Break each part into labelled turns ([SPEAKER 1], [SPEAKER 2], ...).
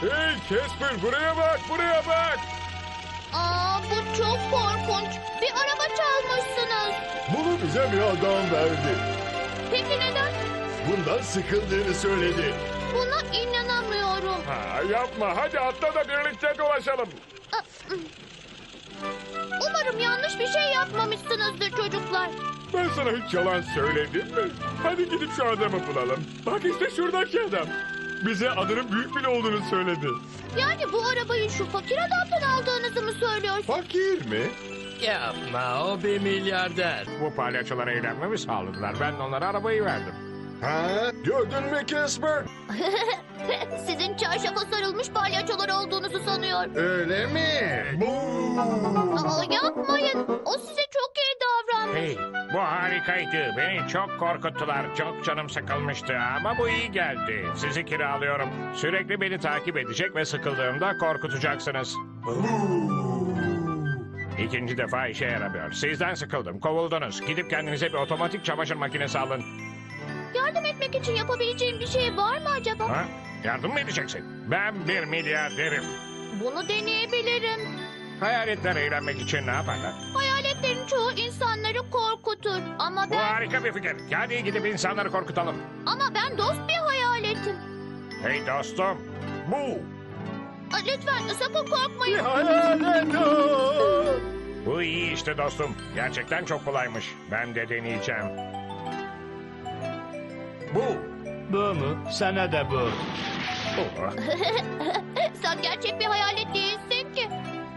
[SPEAKER 1] Hey Casper, buraya bak, buraya bak.
[SPEAKER 2] Bu çok korkunç. Bir araba çalmışsınız.
[SPEAKER 3] Bunu bize bir adam verdi.
[SPEAKER 2] Peki neden?
[SPEAKER 3] Bundan sıkıldığını söyledi.
[SPEAKER 2] Buna inanamıyorum.
[SPEAKER 1] Yapma, hadi atla da birlikte dolaşalım.
[SPEAKER 2] Umarım yanlış bir şey yapmamışsınızdır çocuklar.
[SPEAKER 1] Ben sana hiç yalan söyledim mi? Hadi gidip şu adamı bulalım. Bak işte şuradaki adam. Bize adının büyük bile olduğunu söyledi.
[SPEAKER 2] Yani bu arabayı şu fakir adamdan aldığınızı mı söylüyorsunuz?
[SPEAKER 3] Fakir mi?
[SPEAKER 4] Yapma, o bir milyarder.
[SPEAKER 1] Bu palyaçolara eğlenmemi sağladılar. Ben de onlara arabayı verdim.
[SPEAKER 3] Ha? Gördün mü Casper?
[SPEAKER 2] Sizin çarşafa sarılmış palyaçolar olduğunuzu sanıyor.
[SPEAKER 3] Öyle mi?
[SPEAKER 2] Yapmayın. O size çok iyi davranmış.
[SPEAKER 1] Hey, bu harikaydı. Beni çok korkuttular. Çok canım sıkılmıştı ama bu iyi geldi. Sizi kiralıyorum. Sürekli beni takip edecek ve sıkıldığımda korkutacaksınız. İkinci defa işe yaramıyor. Sizden sıkıldım. Kovuldunuz. Gidip kendinize bir otomatik çamaşır makinesi alın.
[SPEAKER 2] Yardım etmek için yapabileceğim bir şey var mı acaba?
[SPEAKER 1] Ha? Yardım mı edeceksin? Ben bir milyarderim.
[SPEAKER 2] Bunu deneyebilirim.
[SPEAKER 1] Hayaletler eğlenmek için ne yaparlar?
[SPEAKER 2] Hayaletlerin çoğu insanları korkutur. Ama
[SPEAKER 1] Bu
[SPEAKER 2] ben
[SPEAKER 1] harika bir fikir. Hadi gidip insanları korkutalım.
[SPEAKER 2] dost bir hayaletim.
[SPEAKER 1] Hey dostum. Bu.
[SPEAKER 2] Lütfen sakın korkmayın.
[SPEAKER 3] Hayalet o.
[SPEAKER 1] Bu iyi işte dostum. Gerçekten çok kolaymış. Ben de deneyeceğim. Bu.
[SPEAKER 4] Bu mu? Sana da bu.
[SPEAKER 1] Oh.
[SPEAKER 2] Sen gerçek bir hayalet değilsin ki.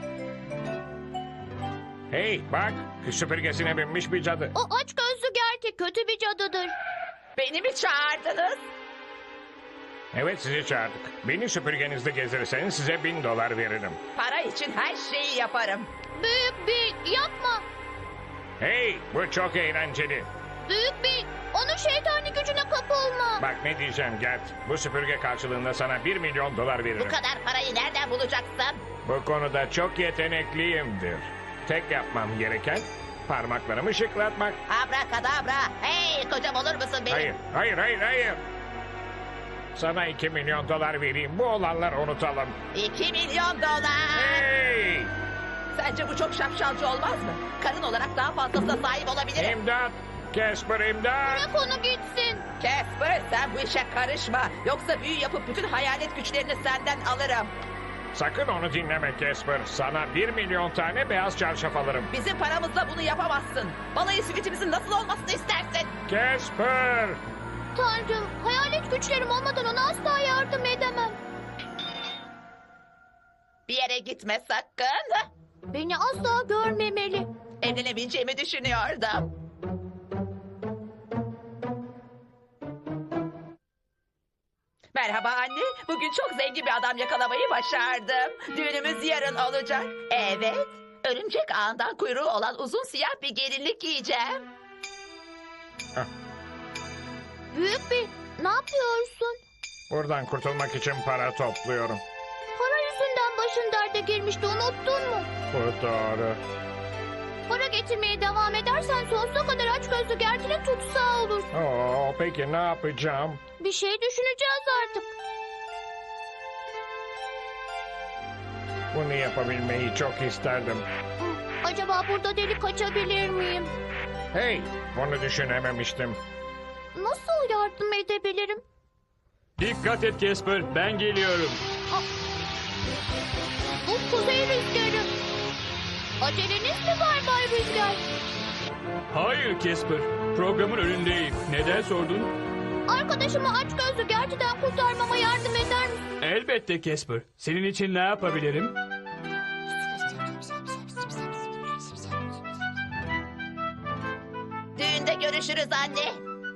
[SPEAKER 1] Hey bak. Süpürgesine binmiş bir cadı.
[SPEAKER 2] O aç gözlü gerçek kötü bir cadıdır.
[SPEAKER 5] Beni mi çağırdınız?
[SPEAKER 1] Evet sizi çağırdık. Beni süpürgenizde gezdirirseniz size $1000 veririm.
[SPEAKER 5] Para için her şeyi yaparım.
[SPEAKER 2] Büyük bir yapma.
[SPEAKER 1] Hey bu çok eğlenceli.
[SPEAKER 2] Büyük bir onun şeytani gücüne kapılma.
[SPEAKER 1] Bak ne diyeceğim Gert. Bu süpürge karşılığında sana $1 milyon veririm.
[SPEAKER 5] Bu kadar parayı nereden bulacaksın?
[SPEAKER 1] Bu konuda çok yetenekliyimdir. Tek yapmam gereken parmaklarımı şıklatmak.
[SPEAKER 5] Abrakadabra. Hey kocam olur musun benim?
[SPEAKER 1] Hayır, hayır, hayır, hayır. Sana $2 milyon vereyim. Bu olanları unutalım.
[SPEAKER 5] 2 milyon dolar.
[SPEAKER 1] Hey!
[SPEAKER 5] Sence bu çok şapşalcı olmaz mı? Karın olarak daha fazlasına sahip olabilirim.
[SPEAKER 1] İmdat! Casper imdat!
[SPEAKER 2] Bırak onu gitsin.
[SPEAKER 5] Casper sen bu işe karışma. Yoksa büyü yapıp bütün hayalet güçlerini senden alırım.
[SPEAKER 1] Sakın onu dinleme Casper. Sana 1 milyon tane beyaz çarşaf alırım.
[SPEAKER 5] Bizim paramızla bunu yapamazsın. Balayı süitimizin nasıl olmasını istersin?
[SPEAKER 1] Casper!
[SPEAKER 2] Tanrım, hayalet güçlerim olmadan ona asla yardım edemem.
[SPEAKER 5] Bir yere gitme sakın.
[SPEAKER 2] Beni asla görmemeli.
[SPEAKER 5] Evlenebileceğimi düşünüyordum. Merhaba anne. Bugün çok zengin bir adam yakalamayı başardım. Düğünümüz yarın olacak. Evet. Örümcek ağından kuyruğu olan uzun siyah bir gelinlik giyeceğim.
[SPEAKER 2] Büyük bir ne yapıyorsun?
[SPEAKER 1] Buradan kurtulmak için para topluyorum.
[SPEAKER 2] Para yüzünden başın derde girmişti, unuttun mu?
[SPEAKER 1] Bu doğru.
[SPEAKER 2] Para getirmeye devam edersen sonsuza kadar aç gözlü gerçeğe tutsağı olur.
[SPEAKER 1] Peki ne yapacağım?
[SPEAKER 2] Bir şey düşüneceğiz artık.
[SPEAKER 1] Bunu yapabilmeyi çok isterdim.
[SPEAKER 2] Acaba burada delik açabilir miyim?
[SPEAKER 1] Hey, bunu düşünememiştim.
[SPEAKER 2] Nasıl yardım edebilirim?
[SPEAKER 4] Dikkat et Casper, ben geliyorum.
[SPEAKER 2] Bu kuzey rüzgarı. Aceleniz mi var Bay Rüzgar?
[SPEAKER 4] Hayır Casper, programın önündeyim. Neden sordun?
[SPEAKER 2] Arkadaşımı aç gözlü gerçekten kurtarmama yardım eder misin?
[SPEAKER 4] Elbette Casper. Senin için ne yapabilirim?
[SPEAKER 5] Düğünde görüşürüz anne.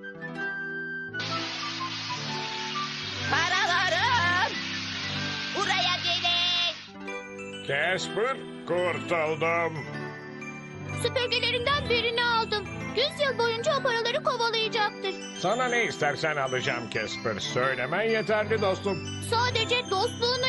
[SPEAKER 5] Paralarım. Buraya gelin.
[SPEAKER 1] Casper, kurtuldum.
[SPEAKER 2] Süpürgelerinden birini aldım. 100 yıl boyunca o paraları kovalayacaktır.
[SPEAKER 1] Sana ne istersen alacağım Casper. Söylemen yeterli dostum.
[SPEAKER 2] Sadece dostluğun